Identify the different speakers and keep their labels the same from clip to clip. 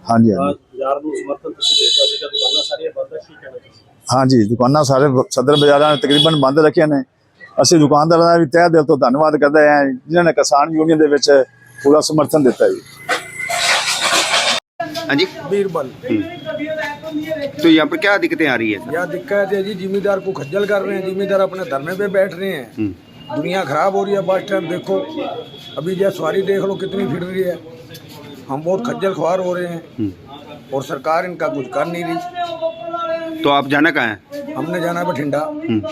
Speaker 1: हाँ जी हाँ जी
Speaker 2: ਬਾਜ਼ਾਰ ਨੂੰ ਸਮਰਥਨ ਤੁਸੀਂ ਦੇਤਾ ਸੀਗਾ, ਦੁਕਾਨਾਂ ਸਾਰੀਆਂ ਬੰਦ ਹੈ, ਕੀ ਕਹਿਣਾ ਚਾਹੁੰਦੇ?
Speaker 1: हाँ जी दुकाना सारे सदर बाजारां ने तकरीबन बंद रखिया ने। ਅਸੀਂ दुकानदारां ਦਾ ਵੀ ਤਹਿ ਦਿਲ ਤੋਂ ਧੰਨਵਾਦ ਕਰਦੇ ਹਾਂ ਜਿਨ੍ਹਾਂ ਨੇ किसान यूनियन ਦੇ ਵਿੱਚ पूरा समर्थन दिता जी।
Speaker 3: हाँ जी
Speaker 4: बीरबल।
Speaker 3: तो यहाँ पर क्या दिक्कतें आ रही है?
Speaker 4: यह दिक्कत है जी, जिम्मेदार को खज्जल कर रहे हैं, जिम्मेदार अपने धरने पे बैठ रहे हैं। दुनिया खराब हो रही है। बस स्टैंड देखो, अभी जो सवारी देख लो कितनी फिर रही है। हम बहुत खज्जल खुआर हो रहे हैं और सरकार इनका कुछ कर नहीं रही।
Speaker 3: तो आप जाना कहाँ है?
Speaker 4: हमने जाना है बठिंडा।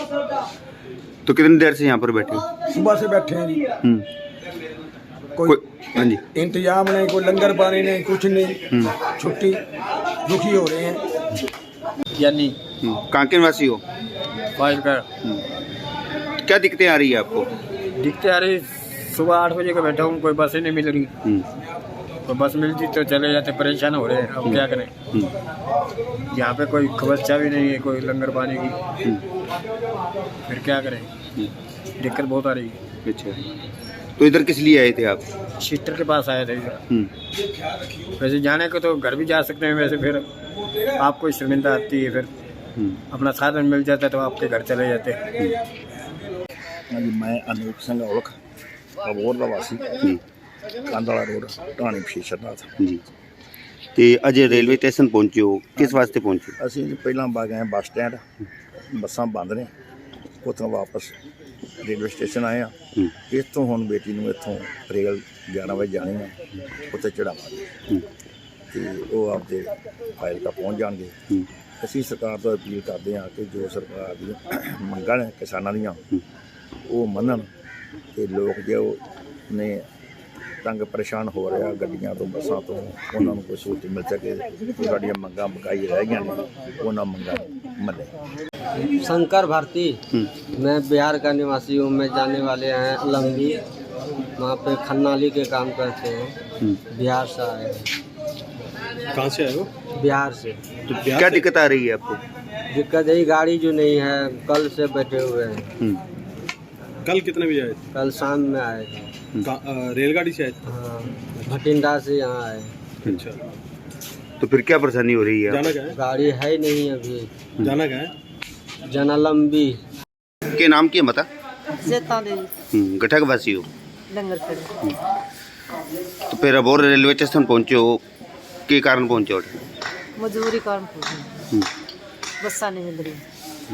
Speaker 3: तो कितनी देर से यहाँ पर बैठे हो?
Speaker 4: सुबह से बैठे हैं जी। कोई
Speaker 3: हाँ जी
Speaker 4: इंतजाम नहीं, कोई लंगर पानी नहीं, कुछ नहीं। छुट्टी दुखी हो रहे हैं।
Speaker 5: यानी
Speaker 3: कहाँ के निवासी हो?
Speaker 5: फाइल का
Speaker 3: क्या दिक्कतें आ रही है आपको?
Speaker 5: दिखते आ रही, सुबह 8 बजे का बैठा हूँ, कोई बस ही नहीं मिल रही। कोई बस मिलती तो चले जाते, परेशान हो रहे हैं। अब क्या करें, यहाँ पे कोई व्यवस्था भी नहीं है, कोई लंगर पानी की। फिर क्या करें, दिक्कत बहुत आ रही है।
Speaker 3: अच्छा, तो इधर किस लिए आए थे आप?
Speaker 5: सिस्टर के पास आए थे इधर। वैसे जाने को तो घर भी जा सकते हैं, वैसे फिर आपको शर्मिंदा आती है, फिर अपना साधन मिल जाता है तो आपके घर चले जाते हैं।
Speaker 6: हाँ जी, मैं अनूप सिंह औलख अबोर का वासी कांदाला रोड ढाणी फीशरनाथ
Speaker 3: जी। तो अज रेलवे स्टेशन पहुंचे हो, किस वास्ते पहुंचे?
Speaker 6: ਅਸੀਂ ਪਹਿਲਾਂ ਗਏ ਬੱਸ ਸਟੈਂਡ, ਬੱਸਾਂ ਬੰਦ ਨੇ, ਉੱਥੋਂ ਵਾਪਸ ਰੇਲਵੇ ਸਟੇਸ਼ਨ ਆਏ ਆ। ਇੱਥੋਂ ਹੁਣ ਬੇਟੀ ਨੂੰ ਇੱਥੋਂ ਰੇਲ 11 ਵਜੇ ਜਾਣੀ ਆ, ਉੱਥੇ ਚੜਾਵਾਂਗੇ ਤੇ ਉਹ ਆਪਦੇ ਫਾਜ਼ਿਲਕਾ ਪਹੁੰਚ ਜਾਣਗੇ। ਅਸੀਂ ਸਰਕਾਰ ਤੋਂ ਅਪੀਲ ਕਰਦੇ ਹਾਂ ਕਿ ਜੋ ਸਰਕਾਰ ਦੀਆਂ ਮੰਗਾਂ ਨੇ ਕਿਸਾਨਾਂ ਦੀਆਂ ਉਹ ਮੰਨਣ ਤੇ ਲੋਕ ਜੋ ਨੇ ਤੰਗ ਪਰੇਸ਼ਾਨ ਹੋ ਰਿਹਾ ਗੱਡੀਆਂ ਤੋਂ ਬੱਸਾਂ ਤੋਂ, ਉਹਨਾਂ ਨੂੰ ਕੋਈ ਸਹੂਲਤ ਮਿਲ ਸਕੇ। ਜੋ ਸਾਡੀਆਂ ਮੰਗਾਂ ਬਕਾਈ ਰਹਿ ਗਈਆਂ ਨੇ ਉਹਨਾਂ ਮੰਗਾਂ ਨੂੰ ਮੰਨੇ।
Speaker 7: शंकर भारती, मैं बिहार का निवासी हूँ। मैं जाने वाले हैं लंबी, वहाँ पे खन्नाली के काम करते हैं। बिहार से आए हैं।
Speaker 2: कहाँ से आए हो?
Speaker 7: बिहार से।
Speaker 3: तो क्या दिक्कत आ रही है आपको?
Speaker 7: दिक्कत यही गाड़ी जो नहीं है, कल से बैठे हुए हैं।
Speaker 2: कल कितने बजे आए थे?
Speaker 7: कल शाम में आए थे।
Speaker 2: रेलगाड़ी से आए थे?
Speaker 7: हाँ, भटिंडा से यहाँ आए।
Speaker 2: अच्छा,
Speaker 3: तो फिर क्या परेशानी हो रही है?
Speaker 2: जाना कहाँ है?
Speaker 7: गाड़ी है ही नहीं अभी।
Speaker 2: जाना कहाँ है?
Speaker 7: जना लंबी।
Speaker 3: के नाम की है बता?
Speaker 8: जेता देवी,
Speaker 3: गठा के वासी हो?
Speaker 8: डंगर खड़े।
Speaker 3: तो फिर अब और रेलवे स्टेशन पहुंचे हो, के कारण पहुंचे हो?
Speaker 8: मजबूरी कारण पूछे, बस्सा नहीं मिल रही।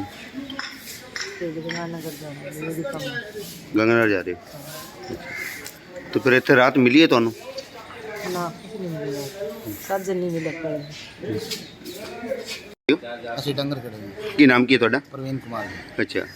Speaker 8: गंगानगर जाना ये भी कम है।
Speaker 3: गंगानगर जा रहे हो? तो फिर इतने रात मिली है ਤੁਹਾਨੂੰ?
Speaker 8: ना कुछ नहीं मिला, साजन नहीं मिला कोई।
Speaker 6: ਅਸੀਂ ਡੰਗਰ ਖੜੇ
Speaker 3: ਕੀ ਨਾਮ ਕੀ ਹੈ ਤੁਹਾਡਾ?
Speaker 6: ਪ੍ਰਵੀਨ ਕੁਮਾਰ ਜੀ।
Speaker 3: ਅੱਛਾ,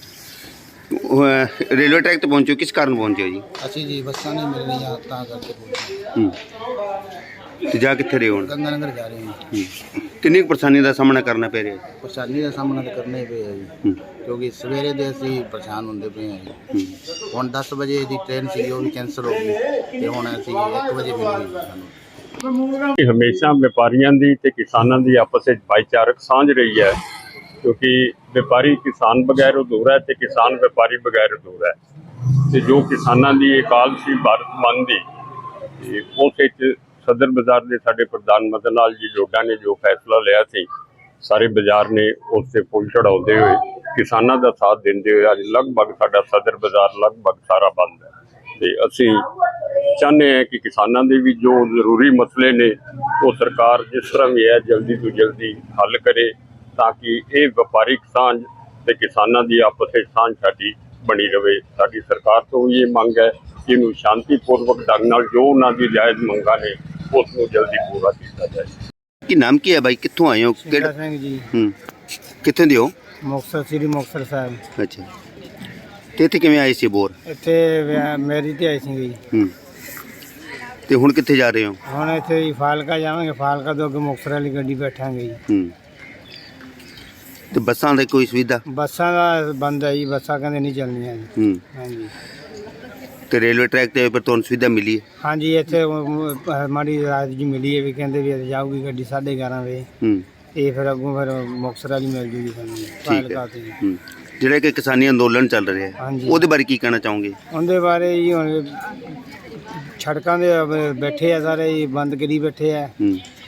Speaker 3: रेलवे ट्रैक तो पहुंचे हो, किस कारण पहुंचे हो जी?
Speaker 6: ਅਸੀਂ ਜੀ ਬੱਸਾਂ ਨਹੀਂ ਮਿਲ ਰਹੀਆਂ ਤਾਂ ਕਰਕੇ ਪਹੁੰਚੇ।
Speaker 3: तो जा कितने रहे हो?
Speaker 6: ਗੰਗਾ ਨਗਰ ਜਾ ਰਹੇ ਹਾਂ।
Speaker 3: किन्नी परेशानी का सामना करना पै रहा है?
Speaker 6: ਪਰੇਸ਼ਾਨੀ ਦਾ ਸਾਹਮਣਾ ਤਾਂ ਕਰਨਾ ਹੀ ਪਿਆ ਜੀ, ਕਿਉਂਕਿ ਸਵੇਰੇ ਦੇ ਅਸੀਂ ਪਰੇਸ਼ਾਨ ਹੁੰਦੇ ਪਏ ਹਾਂ ਜੀ। ਹੁਣ 10 ਵਜੇ ਦੀ ਟ੍ਰੇਨ ਸੀ ਉਹ ਵੀ ਕੈਂਸਲ ਹੋ ਗਈ ਤੇ ਹੁਣ ਅਸੀਂ 1 ਵਜੇ ਮਿਲੀ ਸਾਨੂੰ।
Speaker 9: ਹਮੇਸ਼ਾ ਵਪਾਰੀਆਂ ਦੀ ਤੇ ਕਿਸਾਨਾਂ ਦੀ ਆਪਸ ਵਿੱਚ ਭਾਈਚਾਰਕ ਸਾਂਝ ਰਹੀ ਹੈ, ਕਿਉਂਕਿ ਵਪਾਰੀ ਕਿਸਾਨ ਬਗੈਰ ਅਧੂਰਾ ਹੈ ਤੇ ਕਿਸਾਨ ਵਪਾਰੀ ਬਗੈਰ ਅਧੂਰਾ ਹੈ। ਤੇ ਜੋ ਕਿਸਾਨਾਂ ਦੀ ਅਕਾਲ ਸੀ ਭਾਰਤ ਮੰਨ ਦੀ, ਉਸ ਵਿੱਚ ਸਦਰ ਬਾਜ਼ਾਰ ਦੇ ਸਾਡੇ ਪ੍ਰਧਾਨ ਮਦਨ ਲਾਲ ਜੀ ਲੋਡਾ ਨੇ ਜੋ ਫੈਸਲਾ ਲਿਆ ਸੀ, ਸਾਰੇ ਬਾਜ਼ਾਰ ਨੇ ਉਸ 'ਤੇ ਫੁੱਲ ਚੜਾਉਂਦੇ ਹੋਏ ਕਿਸਾਨਾਂ ਦਾ ਸਾਥ ਦਿੰਦੇ ਹੋਏ ਅੱਜ ਲਗਭਗ ਸਾਡਾ ਸਦਰ ਬਾਜ਼ਾਰ ਲਗਭਗ ਸਾਰਾ ਬੰਦ ਹੈ। ਤੇ ਅਸੀਂ ਚਾਹੁੰਦੇ ਹਾਂ ਕਿ ਕਿਸਾਨਾਂ ਦੇ ਵੀ ਜੋ ਜ਼ਰੂਰੀ ਮਸਲੇ ਨੇ ਉਹ ਸਰਕਾਰ ਜਿਸ ਤਰ੍ਹਾਂ ਵੀ ਹੈ ਜਲਦੀ ਤੋਂ ਜਲਦੀ ਹੱਲ ਕਰੇ, ਤਾਂ ਕਿ ਇਹ ਵਪਾਰਿਕ ਸਾਂਝ ਤੇ ਕਿਸਾਨਾਂ ਦੀ ਆਪਸ ਵਿੱਚ ਸਾਂਝ ਸਾਡੀ ਬਣੀ ਰਹੇ। ਸਾਡੀ ਸਰਕਾਰ ਤੋਂ ਵੀ ਇਹ ਮੰਗ ਹੈ ਕਿ ਇਹਨੂੰ ਸ਼ਾਂਤੀਪੂਰਵਕ ਢੰਗ ਨਾਲ ਜੋ ਉਹਨਾਂ ਦੀ ਜਾਇਜ਼ ਮੰਗਾਂ ਨੇ ਉਸ ਨੂੰ ਜਲਦੀ ਪੂਰਾ ਕੀਤਾ ਜਾਏ।
Speaker 3: ਕੀ ਨਾਮ ਕੀ ਹੈ ਬਾਈ, ਕਿੱਥੋਂ ਆਏ ਹੋ?
Speaker 7: सिंघा सिंह जी,
Speaker 3: ਕਿੱਥੇ ਦੇ ਹੋ?
Speaker 7: मुक्तसर श्री मुक्तसर साहब।
Speaker 3: ਅੱਛਾ, ਤੇ ਇੱਥੇ ਕਿਵੇਂ ਆਏ ਸੀ ਬੋਰ?
Speaker 7: ਇੱਥੇ ਮੇਰੀ ਤੇ ਆਈ ਸੀ ਜੀ।
Speaker 3: ਤੇ ਹੁਣ ਕਿੱਥੇ ਜਾ ਰਹੇ ਹੋ?
Speaker 7: ਹੁਣ ਇੱਥੇ ਹੀ ਫਾਲਕਾ ਜਾਵਾਂਗੇ, ਫਾਲਕਾ ਤੋਂ ਅੱਗੇ ਮੁਕਤਸਰ ਵਾਲੀ ਗੱਡੀ ਬੈਠਾਂਗੇ ਜੀ।
Speaker 3: ਤੇ ਬੱਸਾਂ ਦੀ ਕੋਈ ਸੁਵਿਧਾ?
Speaker 7: ਬੱਸਾਂ ਦਾ ਬੰਦ ਹੈ ਜੀ, ਬੱਸਾਂ ਕਹਿੰਦੇ ਨਹੀਂ ਚੱਲਣੀਆਂ ਜੀ। ਹਾਂਜੀ,
Speaker 3: ਤੇ ਰੇਲਵੇ ਟਰੈਕ ਤੇ ਪਰ ਤੁਹਾਨੂੰ ਸੁਵਿਧਾ ਮਿਲੀ ਹੈ?
Speaker 7: ਹਾਂਜੀ ਇੱਥੇ ਮਾੜੀ ਰਾਤ ਜੀ ਮਿਲੀ ਹੈ ਵੀ ਕਹਿੰਦੇ ਵੀ ਜਾਊਗੀ ਗੱਡੀ 11:30 ਵਜੇ। ਇਹ ਫਿਰ ਅੱਗੋਂ ਫਿਰ ਮੁਕਤਸਰ ਵਾਲੀ ਮਿਲ ਜੂਗੀ ਸਾਨੂੰ ਫਾਲਕਾ ਤੇ।
Speaker 3: ਜਿਹੜਾ ਕਿ ਕਿਸਾਨੀ ਅੰਦੋਲਨ ਚੱਲ ਰਿਹਾ ਹੈ,
Speaker 7: ਹਾਂਜੀ,
Speaker 3: ਉਹਦੇ ਬਾਰੇ ਕੀ ਕਹਿਣਾ ਚਾਹੋਗੇ?
Speaker 7: ਉਹਦੇ ਬਾਰੇ ਜੀ ਹੁਣ ਸੜਕਾਂ ਦੇ ਬੈਠੇ ਆ ਸਾਰੇ ਜੀ, ਬੰਦ ਕਰੀ ਬੈਠੇ ਆ।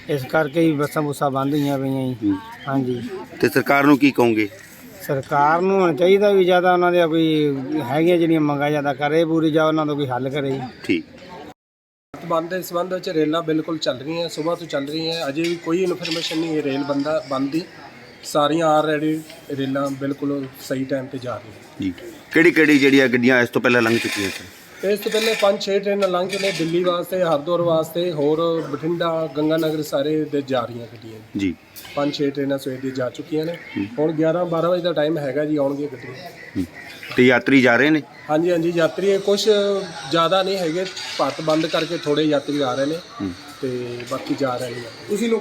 Speaker 5: ਇਸ ਕਰਕੇ ਹੀ ਬੱਸਾਂ ਬੁੱਸਾਂ ਬੰਦ ਹੋਈਆਂ ਪਈਆਂ ਜੀ। ਹਾਂਜੀ
Speaker 3: ਤੇ ਸਰਕਾਰ ਨੂੰ ਕੀ ਕਹੋਗੇ?
Speaker 5: ਸਰਕਾਰ ਨੂੰ ਹੋਣਾ ਚਾਹੀਦਾ ਵੀ ਜ਼ਿਆਦਾ ਉਹਨਾਂ ਦੇ ਕੋਈ ਹੈਗੀਆਂ ਜਿਹੜੀਆਂ ਮੰਗਾਂ ਜ਼ਿਆਦਾ ਕਰੇ ਪੂਰੀ ਜਾਂ ਉਹਨਾਂ ਦਾ ਕੋਈ ਹੱਲ ਕਰੇ ਜੀ।
Speaker 3: ਠੀਕ।
Speaker 2: ਬੰਦ ਦੇ ਸੰਬੰਧ ਵਿੱਚ ਰੇਲਾਂ ਬਿਲਕੁਲ ਚੱਲ ਰਹੀਆਂ, ਸਵੇਰ ਤੋਂ ਚੱਲ ਰਹੀਆਂ, ਅਜੇ ਵੀ ਕੋਈ ਇਨਫੋਰਮੇਸ਼ਨ ਨਹੀਂ ਹੈ ਰੇਲ ਬੰਦ ਦੀ। ਸਾਰੀਆਂ ਆਲਰੇਡੀ ਰੇਲਾਂ ਬਿਲਕੁਲ ਸਹੀ ਟਾਈਮ ਤੇ ਜਾ ਰਹੀਆਂ
Speaker 3: ਜੀ। ਕਿਹੜੀ ਜਿਹੜੀਆਂ ਗੱਡੀਆਂ ਇਸ ਤੋਂ ਪਹਿਲਾਂ ਲੰਘ ਚੁੱਕੀਆਂ ਸਨ?
Speaker 2: ਇਸ ਤੋਂ ਪਹਿਲੇ 5-6 ਟ੍ਰੇਨਾਂ ਲੰਘ ਕੇ ਨੇ ਦਿੱਲੀ ਵਾਸਤੇ, ਹਰਿਦੁਆਰ ਵਾਸਤੇ, ਹੋਰ ਬਠਿੰਡਾ, ਗੰਗਾਨਗਰ ਸਾਰੇ ਦੇ ਜਾ ਰਹੀਆਂ ਗੱਡੀਆਂ
Speaker 3: ਜੀ।
Speaker 2: 5-6 ਟ੍ਰੇਨਾਂ ਸਵੇਰ ਦੀ ਜਾ ਚੁੱਕੀਆਂ ਨੇ। ਹੁਣ 11-12 ਵਜੇ ਦਾ ਟਾਈਮ ਹੈਗਾ ਜੀ, ਆਉਣਗੀਆਂ ਗੱਡੀਆਂ।
Speaker 3: ਤੇ ਯਾਤਰੀ ਜਾ ਰਹੇ ਨੇ?
Speaker 2: ਹਾਂਜੀ ਹਾਂਜੀ, ਯਾਤਰੀ ਕੁਝ ਜ਼ਿਆਦਾ ਨਹੀਂ ਹੈਗੇ, ਭਾਰਤ ਬੰਦ ਕਰਕੇ ਥੋੜੇ ਯਾਤਰੀ ਆ ਰਹੇ ਨੇ ਤੇ ਬਾਕੀ ਜਾ ਰਹੇ ਨੇ। ਤੁਸੀਂ